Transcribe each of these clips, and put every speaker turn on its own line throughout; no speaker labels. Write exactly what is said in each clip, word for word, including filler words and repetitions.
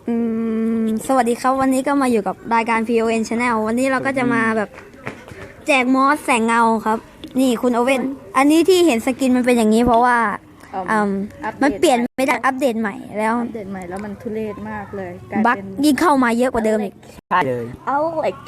อืมสวัสดีครับวันนี้ก็มาอยู่กับรายการ พี โอ เอ็น Channel วันนี้เราก็จะมาแบบแจกมอสแสงเงาครับ นี่คุณโอเว่นอันนี้ที่เห็นสกินมันเป็นอย่างนี้เพราะว่าอืมมันเปลี่ยนไม่ได้อัปเดตใหม่แล้ว
อัปเดตใหม่แล้วมันทุเรศมากเลยกลาย
บั๊ก
เป็น
ยิ่งเข้ามาเยอะกว่าเดิมอีก
ใช่เลย
เอาเหล็ก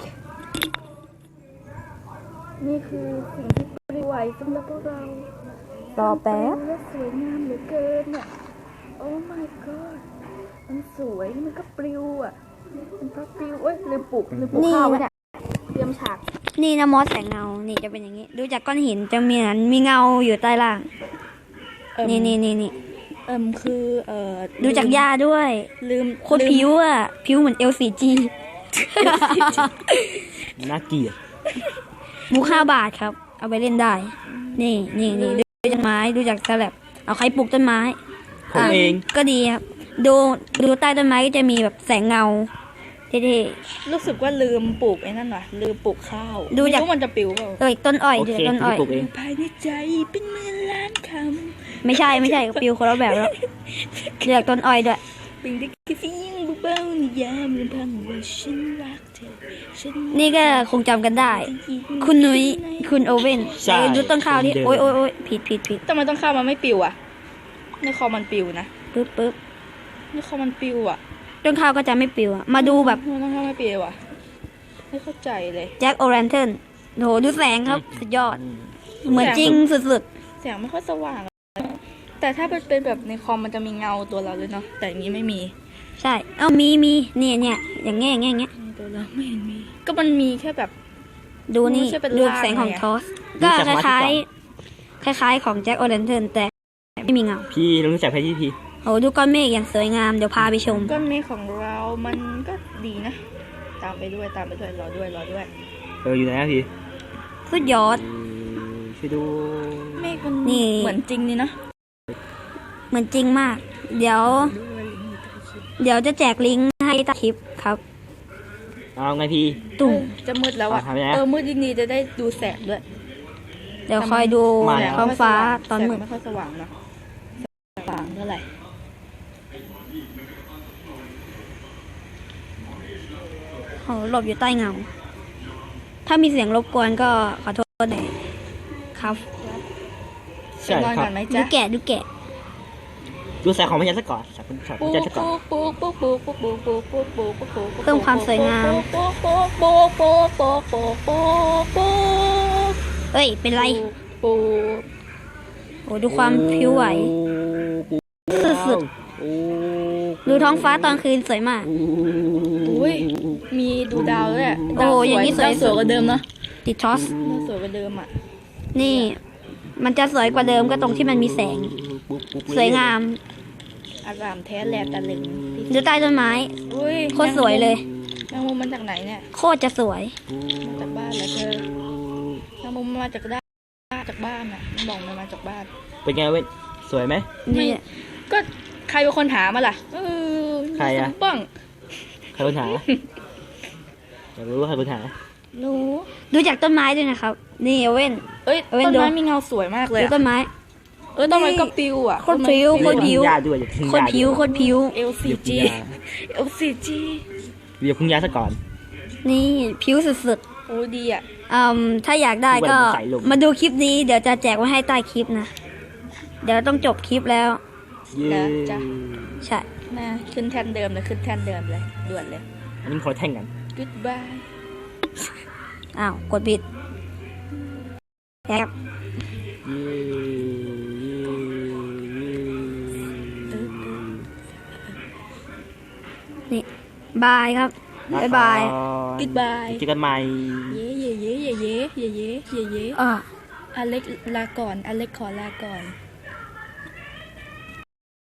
นี่คือสิ่งที่ปลิวไหวสำหรับพวกเรา
รอแป๊บ
และสวยงามเหลือเกินเนี่ยโอ้ my god มันสวยมันก็ปลิวอ่ะมันก็ปลิวเอ้ยลืมปลุกลืมปลุกข้าวไว้เนี่ยเตรียมฉาก
นี่นะมอสแสงเงานี่จะเป็นอย่างนี้ ดูจากก้อนหินจะมีเหมือนมีเงาอยู่ใต้ล่าง
เอิ่ม
นี่นี่นี่นี่
เอิ่มคือเอ่อ
ดูจากหญ้าด้วย
ลืม
โคตรผิวอ่ะผิวเหมือน แอล ซี จี
น่าเกลียด
มูค่าบาทครับ เอาไปเล่นได้ นี่นี่นี่ดูจากไม้ดูจากสลับเอาใครปลูกต้นไม้
ผมเอง
ก็ดีครับ ดูดูใต้ต้นไม้ก็จะมีแบบแสงเงาเท่
รู้สึกว่าลืมปลูกไอ้นั่นว่ะลืมปลูกข้าว
ดูจาก
ไม่รู้มันจะปลิวเปล่า
ๆเอ้ยต้นอ้อย
โอ
เดี๋ยว
เค
ต้นอ้อย
พี่ปลูกเอง
ภายในใจเป็นหมื่นล้านค
ไม่ใช่ไม่ใช่ปิวคนละแบบแล้วเลือกต้นอ้อยด้วย
ำเป็นได้แค่เสียงเบาๆนิยามลำพังว่าฉันรักเธอฉัน
นี่ก็คงจำกันได้ คุณนุ้ยคุณโอเว่น
ใช่
ไหนดูต้นข้าวที่
คนเดิม
โอ้ยโอ้ยโอ้ยผิดผิดผิด
ทำไมต้องข้าวมันไม่ปลิวอ่ะในคอมันปลิวนะ
ปึ๊บปึ๊บ
ในคอมันปลิวอ่ะ
ต้นข้าวก็จะไม่ปิวอะมาดูแบบ
ทำไมต้องข้าวไม่ปลิวอ่ะไม่เข้าใจเลย
แจ็คโอแรนเทิร์นโหดูแสงครับสุดยอด เหมือนจริงสุด
แสงไม่ค่อยสว่างอะแต่ถ้าเป็นเป็นแบบในคอมมันจะมีเงาตัวเราเลยเนาะแต่อย่างนี้ไม่มี
ๆ ใช่เอ้ามีมีเนี่ยเนี่ยอย่างเงี้ยอย่างเงี้ยอย่างเงี้ย
ตัวเราไม่เห็นมี ก็มันมีแค่แบบ
ดูนี่
ไม่ใช่เป็น
ดู
ลาก
แสงของ
ไงอะ
ทอสก็คล้ายๆคล้าย ๆ ของแจ็คโอแรนเทิร์นแต่ไม่มีเงา
พี่รู้จักแพทที่พี่
โอ้ดูก้อนเมฆอย่างสวยงามเดี๋ยวพาไปชม
ก้อนเมฆของเรามันก็ดีนะ ตามไปด้วยตามไปด้วยรอด้วยรอด้วย
เอออยู่ไหนอะพี่
สุดยอด
เออช่วยดู
เมฆมัน
นี่
เหมือนจริงนี่นะ
เหมือนจริงมาก เดี๋ยว เดี๋ยวจะแจกลิงก์ให้ใต้คลิปครับ
เอาไงพี่
ตุ่ม
เออจะมืดแล้วอะ
อ่ะทำไงอะ
เออมืดดีๆจะได้ดูแสงด้วย
เดี๋ยวคอยดู
มาแล้ว
ท้องฟ้าตอน
แสง
มืด
ไม่ค่อยสว่างเนาะสว่างเท่าไหร่
โอ้หลบอยู่ใต้เงา ถ้ามีเสียงรบกวนก็ขอโทษหน่อยครับ
ใช่
ไปนอน
ครั
ก่
บ
อนไหม
ดู
จ๊ะ
แกะดูแกะ
ดูแสงของพญาซะก่อนแสงของพ
ปู
ญาซะก่อน
ปูปูปูปูปูปูปูปูปูปูปู
เพิ่มความสวยงาม
ปูปูปูปูปูปูปูปู
เอ้ย เป็นไร
ปู
โอ้ดูความผิวไหว สุด
โอ้
ดูท้องฟ้าตอนคืนสวยมาก
อุ้ยมีดูดาวด้วย
โอ้อย่างนี้สวย
ดาวสวยกว่าเดิมเนาะ
ติดทอส
ดาวสวยกว่าเดิมอ่ะ
นี่ มันจะสวยกว่าเดิมก็ตรงที่มันมีแสง สวยงาม
อารามแท้แลตะลึง
ดูใต้ต้นไม้
อุ้ย
โคตรสวยเลย
แมงมุมมันจากไหนเนี่ย
โคตรจะสวย
มาจากบ้านเหรอเธอแมงมุมมาจากด้านจากบ้านอ่ะมันบอกมันมาจากบ้าน
เป็นไงเว้ยสวยไหม
นี่
ก็ใครเป็นคนหามาล่ะเออ
ใครอะ
ป้อง
ใครคนหาอยากรู้ว่าใครคนหา
รู้
ดูจากต้นไม้ด้วยนะครับ นี่เว้น
เอ้ย
เอาไว้
ต้น
ดู
ไม้มีเงาสวยมากเลย
ดู
อะ
ต้นไม้
เออต้นไม้ก็ปิวอ่ะ
โคตรพริ้ว
ต้นไม้
โคตรผิว
อย่าพึ่งยาด้วยอย่าพึ่ง
โคตรผิวโคตรผิว
เอลซีจี
อย่า
เอลซีจี
อย่าพึ่งยาซะก่อน
นี่ผิวสุด
โอ้ดีอ่ะ
ๆอืมถ้าอยากได้ก็
เหมือนสายลม
มาดูคลิปนี้เดี๋ยวจะแจกไว้ให้ใต้คลิปนะ เดี๋ยวต้องจบคลิปแล้ว
เย้
ใช่
นะขึ้นแท่นเดิมเลยขึ้นแท่นเดิมเลยด่วนเลย
อันนี้ขอแท่งกัน
goodbye
อ้าว กดผิดแอบ
เย้
นี่บายครับ บ๊ายบาย
goodbye
เจอกันใหม่
เย่เย่เย่เย่เย่เย่เย่เย่เย่
อ่า
อเล็กลาก่อนอเล็กขอลาก่อน